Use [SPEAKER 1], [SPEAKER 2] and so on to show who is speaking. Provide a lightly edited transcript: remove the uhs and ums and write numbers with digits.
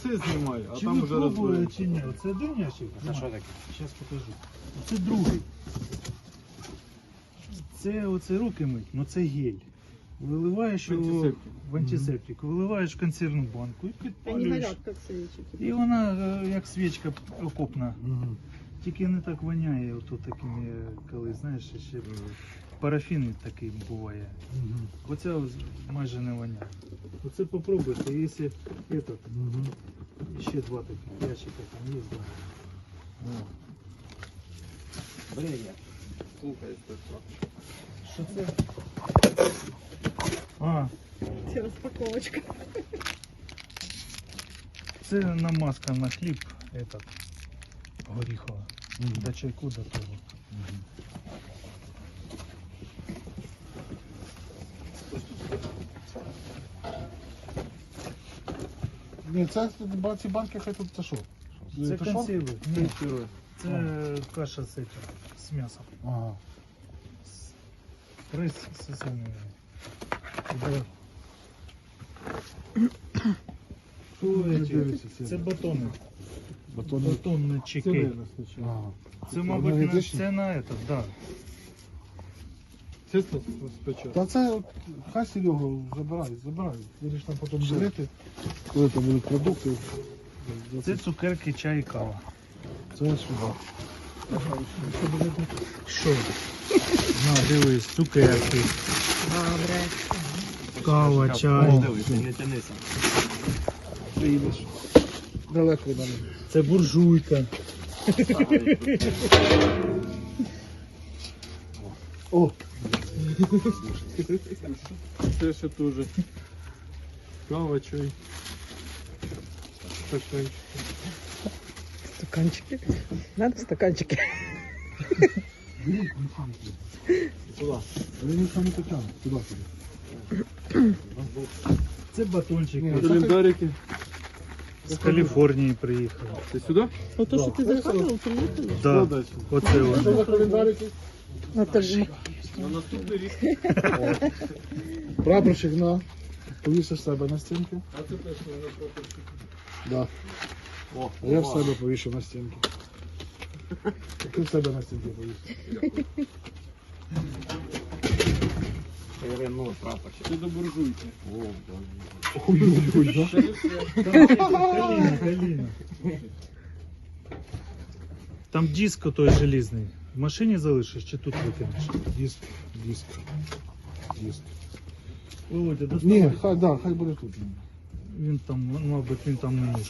[SPEAKER 1] Це знімай, а
[SPEAKER 2] Чи
[SPEAKER 1] там
[SPEAKER 2] ви
[SPEAKER 1] уже
[SPEAKER 2] пробували,
[SPEAKER 1] розберемо.
[SPEAKER 2] чи ні? Оце один ящик?
[SPEAKER 3] Це що таке?
[SPEAKER 2] Зараз покажу. Оце другий. Це оце руки мить, ну це гель. Виливаєш його
[SPEAKER 1] Антисептик.
[SPEAKER 2] в антисептик, виливаєш в консервну банку і
[SPEAKER 4] Они
[SPEAKER 2] підпалюєш.
[SPEAKER 4] горят, как свечики.
[SPEAKER 2] І вона як свічка окопна. Тільки не так воняє, ото такими, коли, знаєш, ще парафін такий буває. Оця майже не воняє. Оце попробуйте, якщо этот, ще два таких ящика там є. Да.
[SPEAKER 3] Брея.
[SPEAKER 1] Слухай, Петро.
[SPEAKER 2] Що це? А,
[SPEAKER 4] Все, распаковочка.
[SPEAKER 2] це намазка на хліб, этот, горіхова. До чайку до того.
[SPEAKER 5] Ні, це ці банки хай тут це що?
[SPEAKER 2] Це
[SPEAKER 5] що?
[SPEAKER 2] консерви. Ні,
[SPEAKER 1] Консерви.
[SPEAKER 2] це каша з этим, з м'ясом.
[SPEAKER 5] Ага.
[SPEAKER 2] Рис з свининою. Да.
[SPEAKER 5] Дивіться,
[SPEAKER 2] Це батони.
[SPEAKER 5] батони.
[SPEAKER 2] Батонні
[SPEAKER 1] Це
[SPEAKER 2] чеки.
[SPEAKER 1] вирос спочатку.
[SPEAKER 5] Ага.
[SPEAKER 2] Це, мабуть, на,
[SPEAKER 5] Аналітичні?
[SPEAKER 2] це на этот, да.
[SPEAKER 1] Це спочатку.
[SPEAKER 5] Та це от, хай Серегу забирай. Будеш там потім ділити, коли там будуть продукти.
[SPEAKER 2] Це цукерки, чай і кава.
[SPEAKER 5] Це сюди.
[SPEAKER 2] Що? На, дивись, цукерки,
[SPEAKER 4] Добре.
[SPEAKER 2] кава, чай.
[SPEAKER 3] Дивись, не тянися.
[SPEAKER 5] Приїдеш. Далеко від мене.
[SPEAKER 2] Це буржуйка.
[SPEAKER 5] О,
[SPEAKER 1] Це ще теж. Кава, чай. Стаканчик.
[SPEAKER 4] Стаканчики. Надо стаканчики.
[SPEAKER 1] Куди?
[SPEAKER 5] але він саме потягне. Туди.
[SPEAKER 2] Це батончики.
[SPEAKER 1] Календарики.
[SPEAKER 2] З Каліфорнії приїхали.
[SPEAKER 1] Ти сюди?
[SPEAKER 4] Вот то, что ты заказывал, приехали.
[SPEAKER 2] Да,
[SPEAKER 1] далі?
[SPEAKER 2] оце
[SPEAKER 5] Що
[SPEAKER 2] вони.
[SPEAKER 5] за календарики?
[SPEAKER 4] Это же.
[SPEAKER 1] На наступний рік.
[SPEAKER 5] Прапорщик на. Повісиш себе на стінки.
[SPEAKER 1] А це теж на прапорщик.
[SPEAKER 5] Да.
[SPEAKER 1] О,
[SPEAKER 5] А я в себе повішу на стінки. Ти в себе на стінки повісиш.
[SPEAKER 3] Перевернули прапорщик.
[SPEAKER 1] Це до буржуйки.
[SPEAKER 5] Ой-ой-ой, да?
[SPEAKER 2] Каліна. Там диск той желізний. В машині залишиш чи тут викинеш?
[SPEAKER 5] Диск.
[SPEAKER 2] Володя,
[SPEAKER 5] Ні,
[SPEAKER 2] доставай.
[SPEAKER 5] хай буде тут.
[SPEAKER 2] Він там, мабуть, він там не нужен.